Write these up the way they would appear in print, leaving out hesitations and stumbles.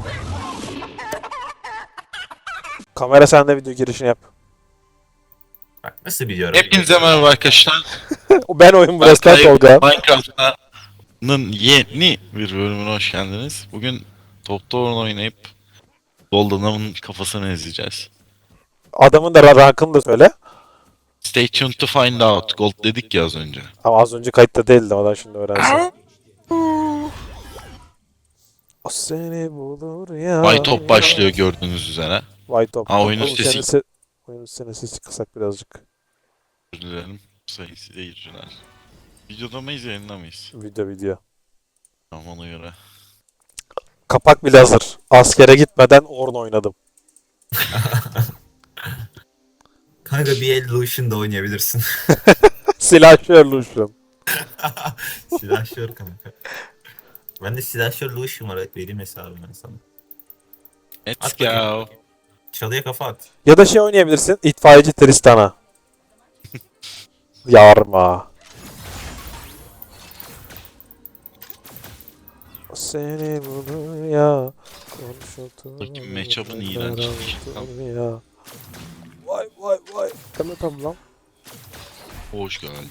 Kamera sende, video girişini yap. Bak nasıl biliyorum. Hepinize merhaba arkadaşlar. Ben oyun burası Berkay Tolga. Minecraft'ın yeni bir bölümüne hoş geldiniz. Bugün Top Tower oynayıp Golden'ın kafasını ezeceğiz. Adamın da rankını da söyle. Stay tuned to find out. Gold dedik ya az önce. Ama az önce kayıtta değildi, o da şimdi öğrensin. O seni bulur ya. Bay Top başlıyor gördüğünüz üzere. White Top. Ha, oyunun Oğlum, sesi- oyunun sesi kısak birazcık. Özür dilerim sayın seyirciler. Videoda mıyız yayında mıyız? Video. Tamam ona göre. Kapak bile hazır. Askere gitmeden Ornn oynadım. Kanka bir el Lucian'da oynayabilirsin. Silahşör Lucian. Silahşör kanka. Ben de silahşör Lucian var, vereyim hesabımı ben sana. Let's At go. bakayım. Çalıya kafa at. Ya da şey oynayabilirsin. İtfaiyeci Tristan'a. Yarma. O seni bulur ya. Bakayım matchup'ın iğrençliği. Ya. Vay. Tamam lan. Hoş geldin.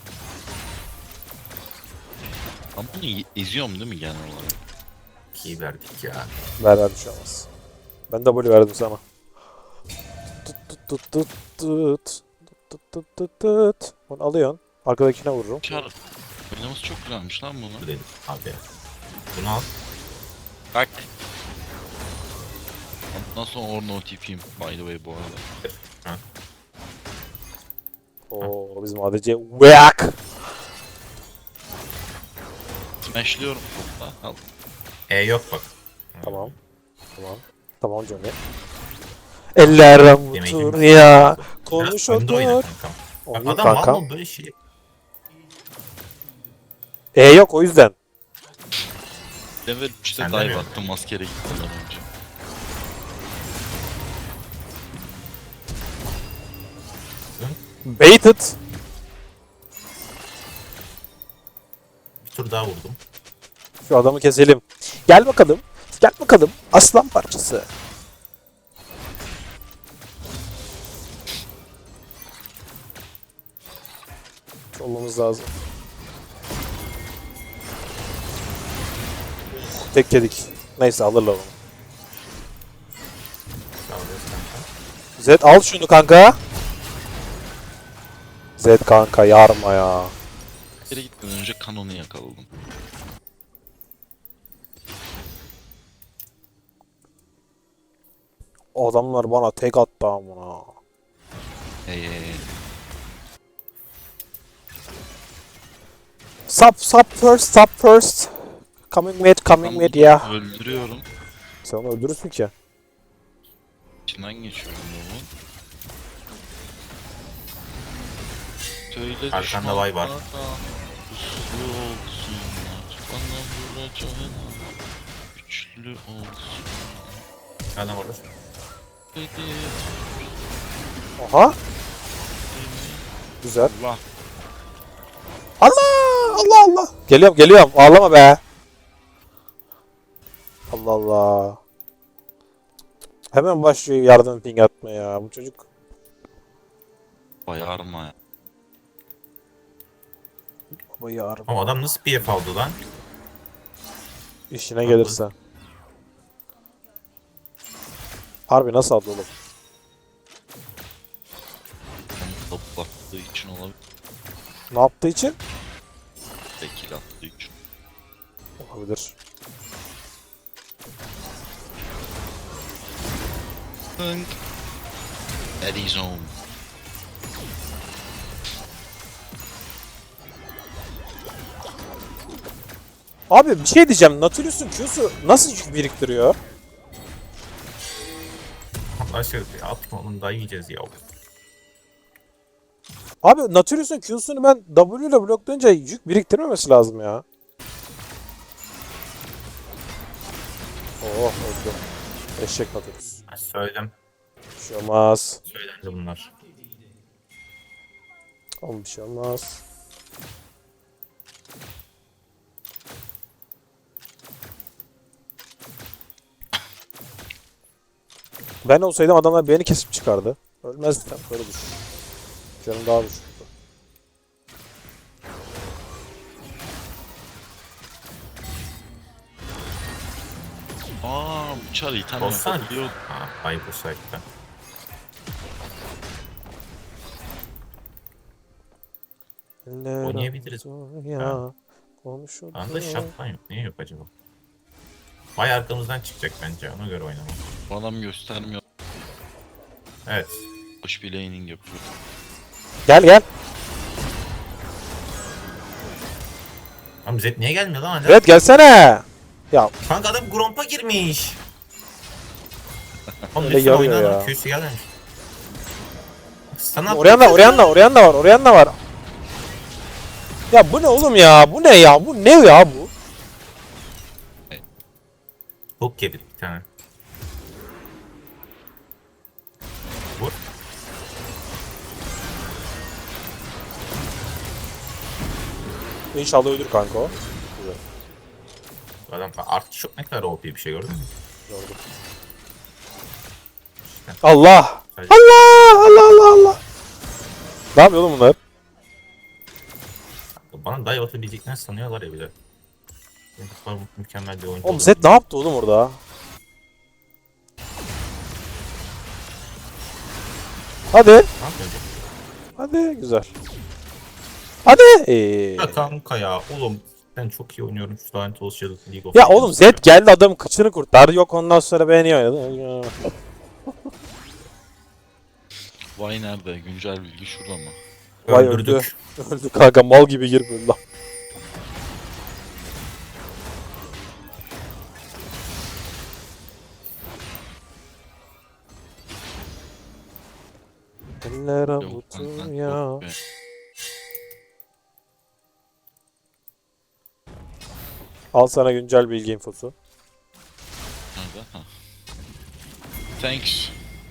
Ben bunu eziyorum değil mi genel olarak? İyi verdik ya. Ver bir şey olmaz. Ben W verdim sana. Tut. Onu alıyorsun. Arkadakine vururum. Çar. Oynaması çok güzelmiş lan bunu. Bu dedim abi. Bunu al. Bak. Ondan sonra Ornn OTP'yim by the way bu arada. Oo, bizim ADC Whack. Smashlıyorum topla. Al. Yok bak. Tamam. Tamam Johnny. Eller avutur ya. Konuş Biraz önde oyna otur. kankam. Oyun Bak adam kanka. mal böyle şey. Yok o yüzden. Level 3'te Sen dive demiyor attım maskere gitmeden önce. Baited. Bir tur daha vurdum. Şu adamı keselim. Gel bakalım. Aslan parçası. Olmamız lazım. Tek yedik. Neyse alırlar onu. Sağ olasın kanka. Zed al şunu kanka. Zed kanka yarma ya. Maskere gitmeden önce kanonu yakaladım. Adamlar bana tek attı amına. Hey. Stop first. Coming mid ya. Öldürüyorum. Sen onu öldürürsün ki. İçinden geçiyorum bunu. Söyle Arkanda vay var. Güçlü olsunlar. Bana vuracağına. Güçlü olsun. Adam orada. Dedi. Aha. Güzel. Allah. Allah. Geliyorum. Ağlama be. Allah. Hemen başlıyor yardım ping atmaya bu çocuk. Bayarma ya. Baba yarım. Ama adam nasıl PF aldı lan? İşine gelirse. Harbi nasıl aldı oğlum? Onu toplattığı için olabilir. Ne yaptığı için? Tekil attığı için. Olabilir. Hınk. Eddie Zone. Abi bir şey diyeceğim. Nautilus'un Q'su nasıl yük biriktiriyor? Allah aşkına atma oğlum, daha yiyeceğiz ya. Abi Nautilus'un Q'sunu ben W ile bloklayınca yük biriktirmemesi lazım ya. Oh öldü. Eşek Nautilus. Ben söyledim. Bir şey olmaz. Söylendi bunlar. Oğlum bir şey olmaz. Ben olsaydım adamlar beni kesip çıkardı. Ölmezdi tabii, böyle düşün. Canım daha düşüktü. Bu çar item Olsan. yapabiliyor. Ha, ayıp o site'da. Oynayabiliriz. Ya. Ha. Konuşuldu. Anda şapkan yok. Niye yok acaba? Vay arkamızdan çıkacak bence. Ona göre oynamam. Bu adam göstermiyor. Evet. Boş bir laning yapıyor. Gel gel. Ama Zed niye gelmiyor lan hala? Evet gelsene. Ya Kanka adam Gromp'a girmiş. Oğlum Öyle lütfen yarıyor oyna ya. lan. Q'su gelmemiş. Sana Orianna var. Ya bu ne oğlum ya? Bu ne ya? Bu ne ya bu? Hook yedi bir tane. Vur. İnşallah ölür kanka o. Adam artık çok ne kadar OP bir şey gördün mü? Gördüm. Allah! Sadece- Allah! Ne yapıyor oğlum bunlar? Bana dive atabileceklerini sanıyorlar ya bir de. Bu kadar mükemmel bir oyuncu. Oğlum olur. Zed ne yaptı oğlum orada? Hadi. Ne yapıyor? Hadi güzel. Hadi. Ya kanka ya oğlum ben çok iyi oynuyorum şu lanet olası League of Ya Legends oğlum Zed geldi adam kıçını kurtardı. Yok ondan sonra beğeniyor oynadı. Vay nerede? Güncel bilgi şurada mı? Vay Öldürdük. Öldü kanka mal gibi girmiyor lan. Eller Yok, avutur ya. be. Al sana güncel bilgi infosu. Nerede? Ha. Thanks.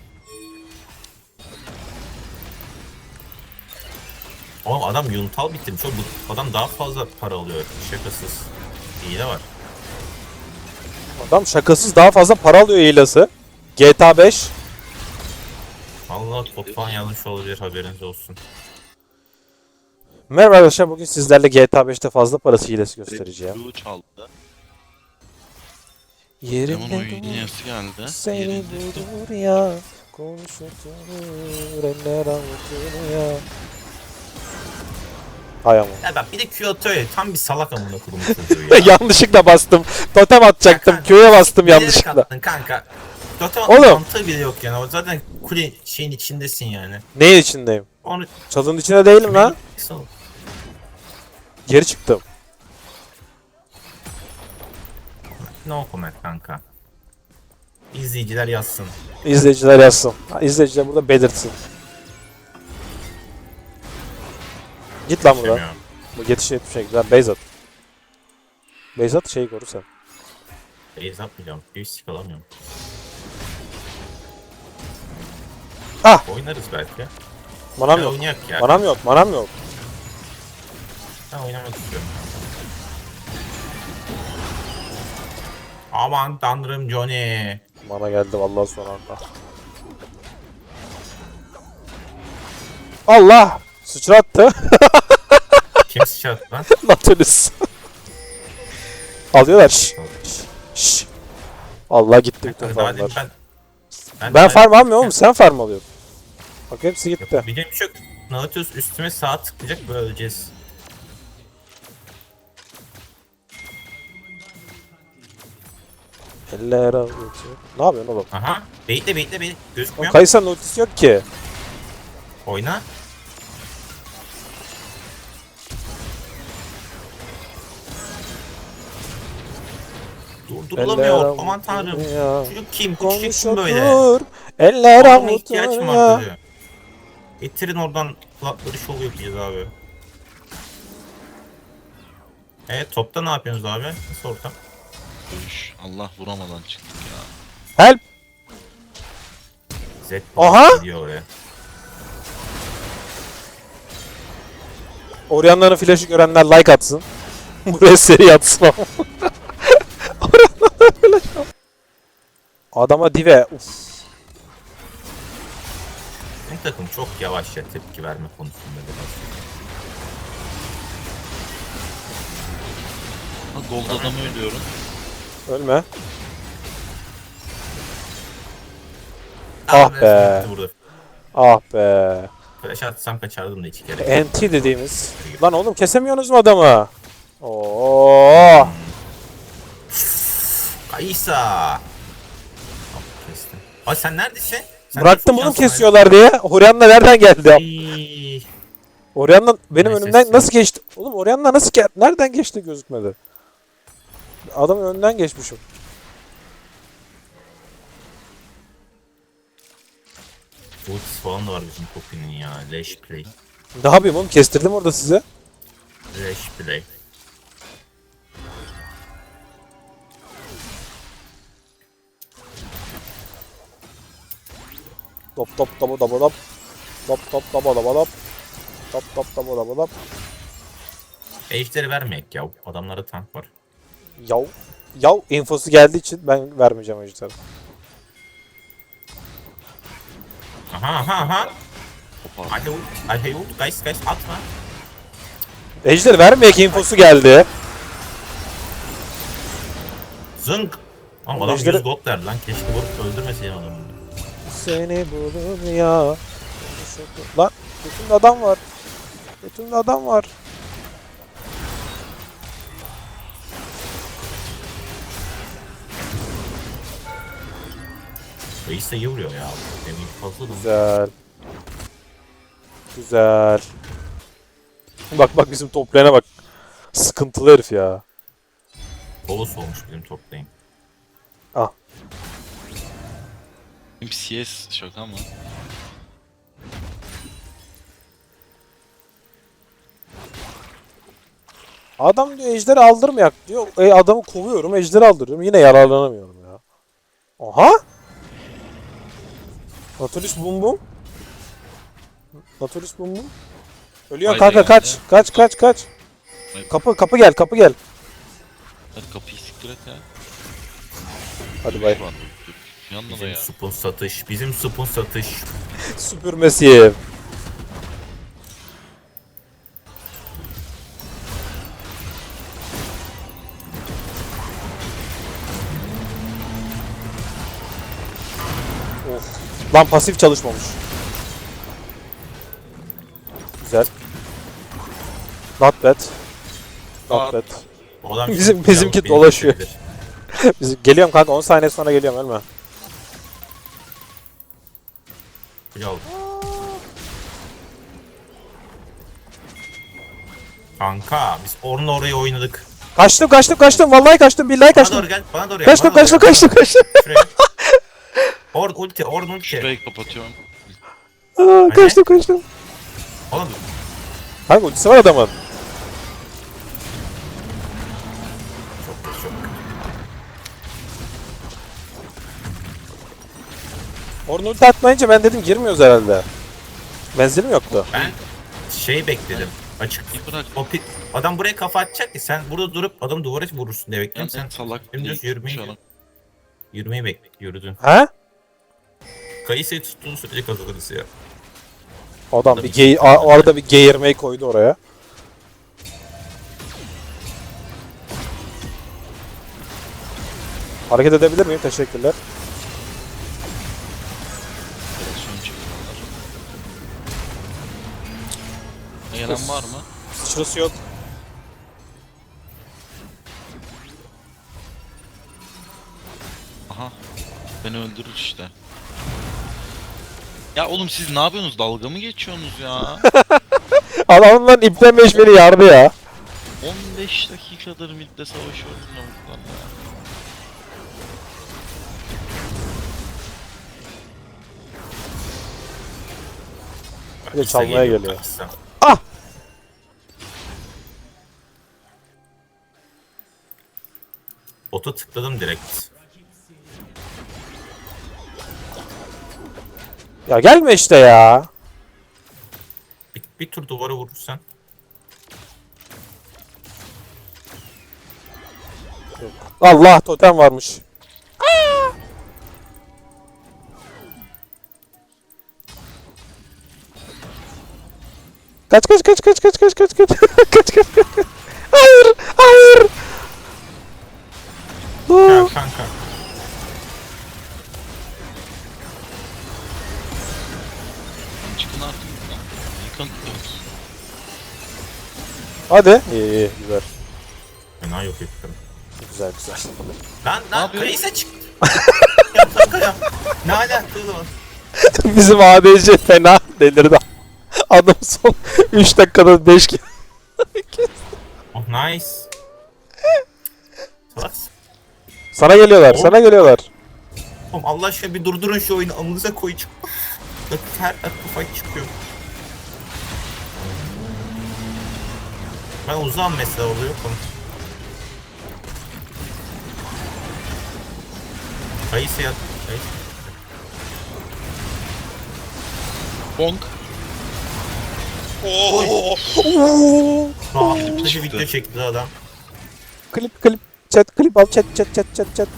Oğlum adam Yuntal bitirmiş. Oğlum bu adam daha fazla para alıyor. Şakasız. Hile var. Adam şakasız daha fazla para alıyor hilası. GTA 5. Vallahi bot falan yazmış olabilir haberiniz olsun. Merhaba arkadaşlar, bugün sizlerle GTA 5'te fazla parası hilesi göstereceğim. Blue çaldı. Demon Yerinde oynayası geldi. seni Yerinde. bulur ya. Konuşulur eller avutur ya. Hay ama. Ya bak bir de Q atıyor ya. Tam bir salak amına kurum çocuğu ya. Yanlışlıkla bastım. Totem atacaktım. Kanka, Q'ya bastım bilerek yanlışlıkla. attın kanka. Zaten Oğlum. mantığı bile yok yani. O zaten kule şeyin içindesin yani. Neyin içindeyim? Onu Çalının içinde değilim lan. Geri çıktım. No comment kanka. İzleyiciler yazsın. İzleyiciler yazsın. İzleyiciler burada belirtsin. Git lan buradan. Demiyorum. Bu yetişe şey güzel. Beyzat. Beyzat şeyi koru sen. Base atmayacağım. Bir stick alamıyorum. Ah! Oynarız belki. Manam Ya yok. oynayak ya. Manam yok. Ben oynamak istiyorum. Aman tanrım Johnny. Mana geldi vallahi son anda. Allah! Sıçrattı. Kim sıçrattı lan? Nautilus. Alıyorlar. Şşş. Allah gitti bütün Daha demin farmlar. ben Farm almıyorum oğlum, sen farm alıyorsun. Bak hepsi gitti. Bir de bir şey yok. Nautilus üstüme sağ tıklayacak böyle öleceğiz. Eller avutur. Ne yapıyorsun oğlum? Aha. Bekle. Oğlum Gözükmüyor. Kayısa'nın ultisi yok ki. Oyna. Durdurulamıyor. Aman tanrım. Ya. Çocuk kim? Bu çocuk kim böyle? Konuşulur. Eller Adama ihtiyaç avutur mı ya. var diyor. Getirin oradan kulakları şov yapacağız abi. Topta ne yapıyorsunuz abi? Nasıl ortam? Dövüş. Allah vuramadan çıktık ya. Help. Z Aha! gidiyor oraya. Orianna'nın flash'ı görenler like atsın. Buraya seri atsın ama. Orianna'nın flash. Adama dive. Uf. takım çok yavaş ya tepki verme konusunda biraz. Ha, gold adamı ölüyorum. Ölme. Ah be. Burada. Ah be. Flash atsam kaçardım da hiç gerek yok. NT dediğimiz. Lan oğlum kesemiyorsunuz mu adamı? Oo. Kaysa. Tamam, kestim. Ay sen neredesin? Sen Bıraktım de oğlum çok şanslı. kesiyorlar diye. Orianna nereden geldi? Ay. Orianna benim Neyse, önümden sen- nasıl geçti? Oğlum Orianna nasıl nereden geçti gözükmedi. Adamın önünden geçmişim. Ultisi falan da var bizim Poppy'nin ya. Leş play. Ne yapayım oğlum kestirdim orada size. Leş play. Top top topu topu top. Top top topu topu top. Top top topu topu top. Ejderi vermeyek ya. Adamlarda tank var. Yav. Yav infosu geldiği için ben vermeyeceğim ejderha. Aha. Kopar. Hadi ult. Hadi ult. Guys atma. Ejder vermeyek infosu geldi. Zınk. Ama adam Ejderi- 100 gold verdi lan. Keşke vurup öldürmeseydim adamı. Seni bulur ya. Lan götümde adam var. Götümde adam var. Reis de iyi vuruyor ya. Demin fazla da. Güzel. Güzel. Bak bizim toplayana bak. Sıkıntılı herif ya. Bolos olmuş bizim toplayın. Benim CS şaka mı? Adam diyor ejderi aldırmayak diyor. Adamı kovuyorum ejderi aldırıyorum. Yine yararlanamıyorum ya. Aha. Nautilus bum bum. Nautilus bum bum. Ölüyorsun Haydi kanka geldi. kaç. Haydi. Kapı gel. Hadi kapıyı siktir et ya. Hadi bay. Ulan, yanına da Bizim ya. supun satış. Bizim supun satış. Süpürmesi. Of. Lan pasif çalışmamış. Güzel. Not bad. Not bad. O adam Bizimki beni dolaşıyor. kesebilir. Geliyorum kanka 10 saniye sonra geliyorum ölme. Ya. Kanka biz Orn'la orayı oynadık. Kaçtım vallahi kaçtım billahi Bana kaçtım. doğru gel, bana doğru gel. Kaçtım. bana doğru gel. Şuraya. Orn ulti. Şurayı kapatıyorum. Aa, kaçtım. Oğlum Kanka ultisi var adamın. çok. Orada ulti atmayınca ben dedim girmiyoruz herhalde. Menzilim yoktu. Ben şey bekledim. Açık. Bir bırak. Adam buraya kafa atacak ki sen burada durup adam duvara vurursun diye Ben bekledim. Sen salak dümdüz değil. yürümeyi, Şu an. yürümeyi yürüdün. Ha? Kayısıyı tuttuğun sürece kazanırız ya. Adam arada bir geğirmeyi koydu oraya. Hareket edebilir miyim? Teşekkürler. Operasyon çekiyorlar. Gelen var mı? Sıçrası yok. Aha. Beni öldürür işte. Ya oğlum siz ne yapıyorsunuz? Dalga mı geçiyorsunuz ya? Adamın ipten beni yardı ya. 15 dakikadır midde savaşıyorum lavuklarla ya. Bir de çalmaya geliyor. Kayısı. Ah! Bota tıkladım direkt. Ya gelme işte ya. Bir tur duvara vurursan. Allah totem varmış. Kaç kaç kaç kaç kaç kaç kaç kaç kaç kaç kaç. Hayır hayır. Ya Aa, kanka. Çıkın artık lan. Yıkın. hadi. İyi iyi güzel. Fena yok ettim. Güzel güzel. Lan yapıyor? Kayısa çıktı. Ya kanka ya. Ne alakalı var? Bizim ADC fena delirdi. Adam son 3 dakikada 5 kere. Oh nice. Salak. Sana geliyorlar, Oğlum. sana geliyorlar. Oğlum Allah aşkına bir durdurun şu oyunu. Amınıza koyacağım. Her dakika fight çıkıyor. Ben uzağım mesela orada yokum. Kayısı yat. Kayısı. Bonk. Oo. Rahatlıkla çıktı. video çekti adam. Klip klip chat klip al chat chat chat chat chat.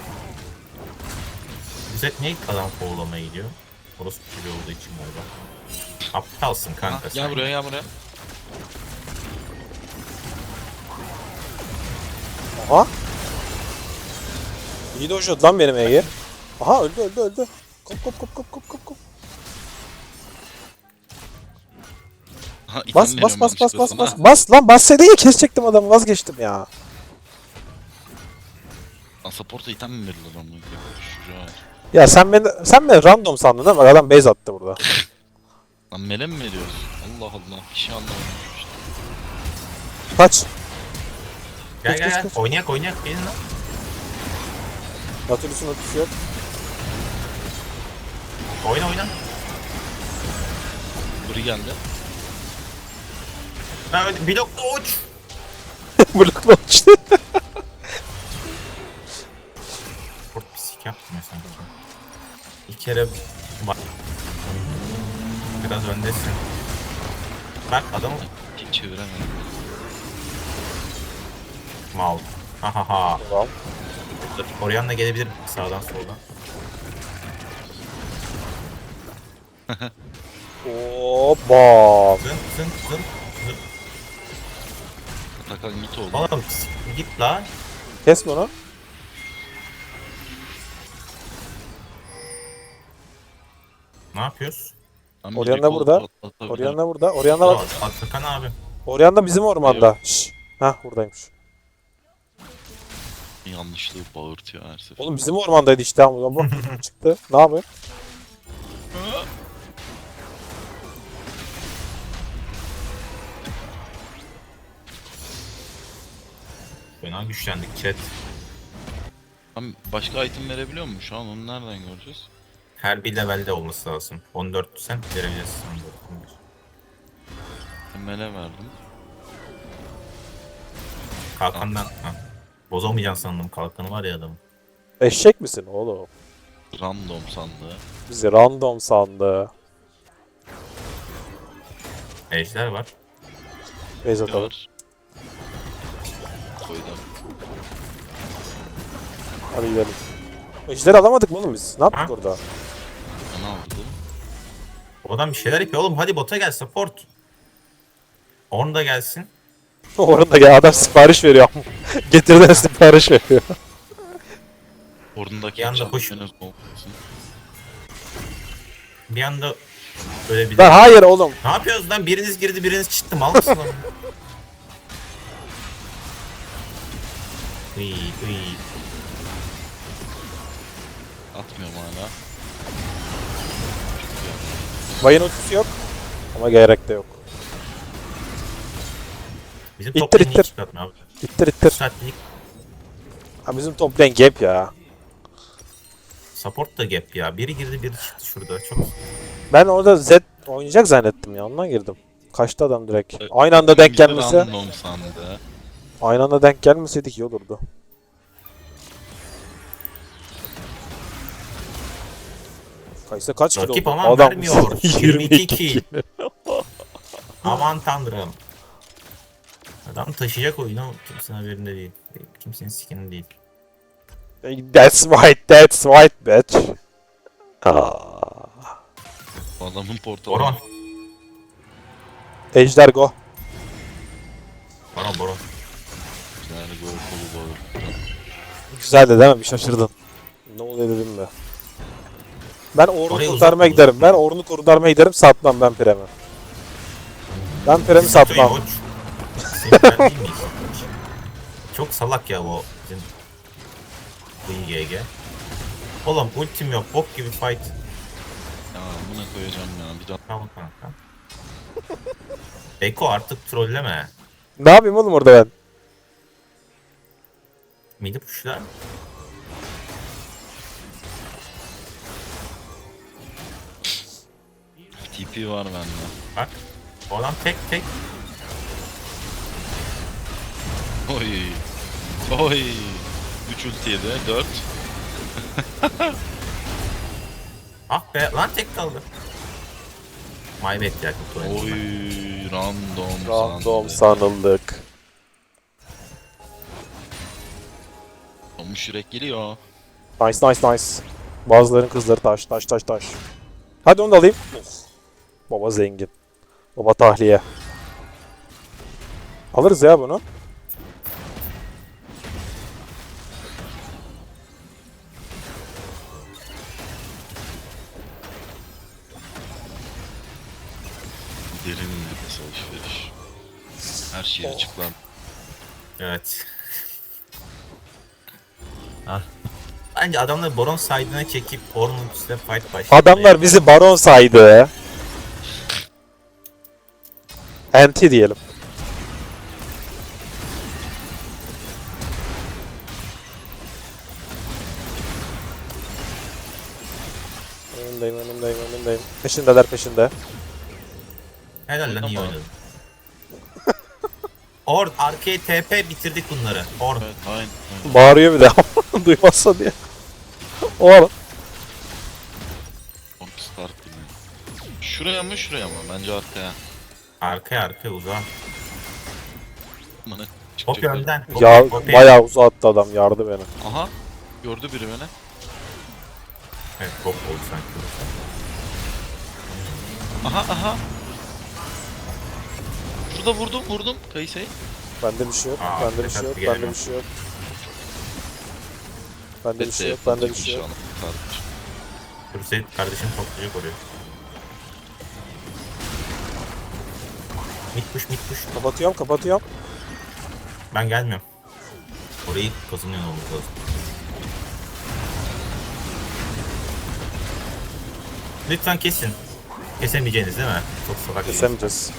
Bize niye adam kovalamaya gidiyor? Orası gibi olduğu için galiba. Aptalsın kanka Ha, sen. gel buraya gel buraya. Aha. İyi dojladı lan benim Ege. Aha öldü öldü öldü. Kop kop kop kop kop kop kop. Ha, item Bas veriyorum bas bas bas yanlışlıkla bas sana. bas. Bas lan bassaydın ya kesecektim adamı vazgeçtim ya. Lan support'a item mi verilir lan? Şuraya. Ya sen beni random sandın değil mi? Bak adam base attı burada. Lan mele mi veriyoruz? Allah Allah. Bir şey anlamadım işte. Kaç. Gel gel kaç, gel. kaç. Oynayak gelin lan. Natürlüsün ötüsü yok. Oyna. Buri geldi. Ben öyle blokla uç. Blokla uçtu. Sport pislik yaptım ya sanki. Bir kere bak. Biraz öndesin. Bak adamı Hiç çeviremedim. mal. Ha ha ha. Tamam. Orianna gelebilir sağdan soldan. Hoppa. Zın. Atakan git oğlum. Oğlum git la. Kes bunu. Ne yapıyoruz? Lan bir Orianna recall burada. atabilirim. Orianna burada. Orianna bak. Atakan abi. Orianna bizim ormanda. Şşş. Hah buradaymış. Yanlışlığı bağırtıyor her sefer. Oğlum bizim ormandaydı işte ama bu çıktı. Ne yapıyor? Fena güçlendik chat. Lan başka item verebiliyor mu şu an? Onu nereden göreceğiz? Her bir levelde olması lazım. 14 sen verebilirsin. 14, 15. Mele verdim. Kalkandan. Ha. Bozamayacaksın sandım kalkanı var ya adamın. Eşek misin oğlum? Random sandığı. Bizi random sandı. Ejder var. Base atalım. Var. Koydum. Hadi gidelim. Ejderi alamadık mı oğlum biz? Ne yaptık Ha? orada? Ne aldım? O adam bir şeyler yapıyor oğlum. Hadi bota gel support. Orn da gelsin. Orada ya adam sipariş veriyor. Getirden sipariş veriyor. Orundaki Yanda can koş. henüz olmasın. Bir anda böyle bir... Lan hayır oğlum. Ne yapıyoruz lan? Biriniz girdi biriniz çıktı. Mal mısın lan? Uy. Atmıyorum hala. Vayın ultisi yok. Ama gerek de yok. Bizim İttir, top lane'i ittir. hiç çıkartma abi. İttir Bu ittir. saatlik Ha bizim top lane gap ya. support da gap ya. Biri girdi biri çıktı şurada. Çok Ben orada Z oynayacak zannettim ya ondan girdim. Kaçtı adam direkt. Evet. Aynı anda denk Bizi gelmese, Random sandı. aynı anda denk gelmeseydik iyi olurdu. Kaysa kaç kilo rakip oldu? ama Adam vermiyor. 22 kill. Aman tanrım. Adam taşıyacak oyunu kimsenin haberinde değil. Kimsenin sikinin değil. That's right bitch. Aa. Adamın portalı. Orhan. Ejder go. Baron baron. Yani gol kolu bağır. Güzeldi değil mi? Bir şaşırdın. Ne oluyor dedim be. Ben Ornn'u Orayı kurtarmaya uzatma, giderim. uzatma. Ben Ornn'u kurtarmaya giderim. Satmam ben Prem'i. Ben Prem'i satmam. Koç. Sinirler değil miyiz? Çok salak ya bu bizim bu IGG. Oğlum ultim yok. Bok gibi fight. Ya buna koyacağım ya. Bir daha. Tamam kanka. Eko artık trolleme. Ne yapayım oğlum orada ben? Midi pushlar. TP var bende. Bak. O adam tek tek. Oy. Oy. 3 ultiye de 4. Ah be lan tek kaldı. My bad ya. Oy. Random. Random sandı. sanıldık. Olmuş yürek geliyor. Nice nice nice. Bazıların kızları taş taş taş taş. Hadi onu da alayım. Baba zengin. Baba tahliye. Alırız ya bunu. Derin nefes alışveriş. Her şey açıklan. Evet. Ah. Bence adamları Baron side'ına çekip Ornn'un üstüne fight başladı. Adamlar bizi baron saydı. Anti diyelim. Önündeyim. Peşindeler peşinde. Helal lan iyi oynadın. Orn arkaya TP bitirdik bunları. Orn. Evet aynen. Bağırıyor bir de duymazsa diye. O ara. Start gibi. Şuraya mı şuraya mı? Bence arkaya. Arkaya uzağa. Bana Hop çıkacak. önden. Ya Hop, bayağı uzattı adam yardı beni. Aha. Gördü biri beni. Evet hop oldu sanki. Aha. Şurada vurdum Kayse'yi. Bende bir şey yok. Aa, Bende bir şey yok. dikkatli Bende bir şey yok. Bende bir şey yok. Bende bir şey yok. Hüseyin kardeşim toplayacak oraya. Mid push. Kapatıyorum. Ben gelmiyorum. Orayı kazanıyor olmamız lazım. Lütfen kesin. Kesemeyeceğiniz değil mi? Çok salak. Kesemeyeceğiz.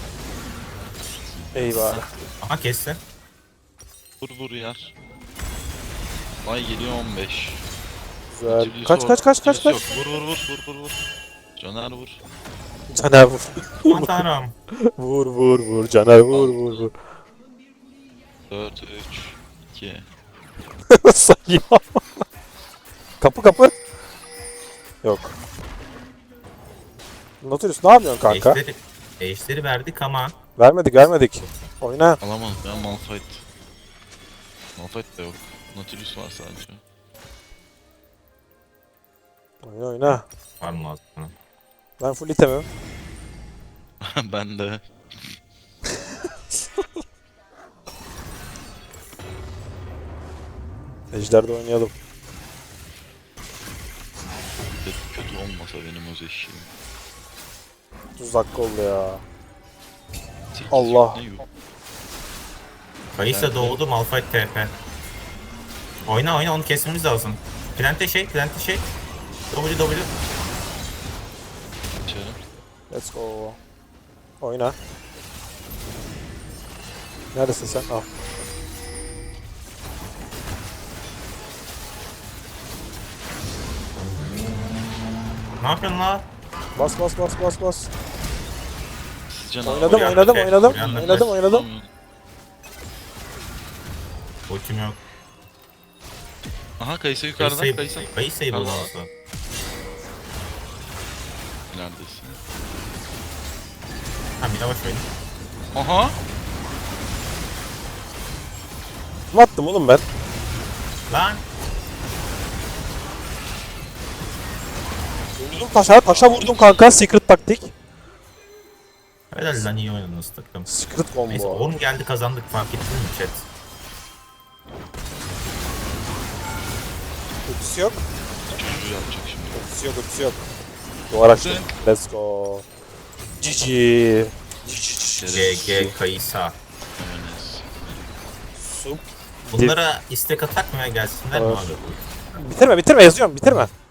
Eyvah. Aha kesti. Vur yer. Ay geliyor 15. Güzel. Utility Kaç. yok. Vur. Caner vur. Caner vur. Aman tanrım. vur. Caner vur. 4, 3, 2. Sayıyor. Kapı. Yok. Nautilus ne yapıyorsun kanka? Eşleri verdik ama Vermedik. Oyna. Alamam ya Malphite. Malphite de yok. Nautilus var sadece. Oyna. var mı aslında? Ben full itemim. Ben de. Ejder'de oynayalım. Kötü olmasa benim öz eşeğim. 30 dakika oldu ya. 8 Allah. ne yok. Kayısa doğdu Malphite TP. Oyna onu kesmemiz lazım. Plante şey. W. İçeri. Let's go. Oyna. Neredesin sen? Al. Ne yapıyorsun la? Bas. Sizce ne Oynadım. Ultim yok. Aha Kayse yukarıda. Kayse. Kayısa'yı Tamam. bulması. Neredesin? Ha bir yavaş oynayın. Aha. Ne attım oğlum ben? Lan. Vurdum taşa vurdum kanka. Secret taktik. Helal lan, iyi oynadınız takım. Secret Neyse combo. 10 geldi kazandık, fark ettiniz mi chat? Ultisi yok. Çocuğu yapacak şimdi. Ultisi yok, ultisi yok. Duvar açtım. Let's go. GG. GG Kaysa. Evet. Sup. Bunlara istek atak mı ya, gelsinler mi Evet. abi? Bitirme, bitirme yazıyorum, bitirme.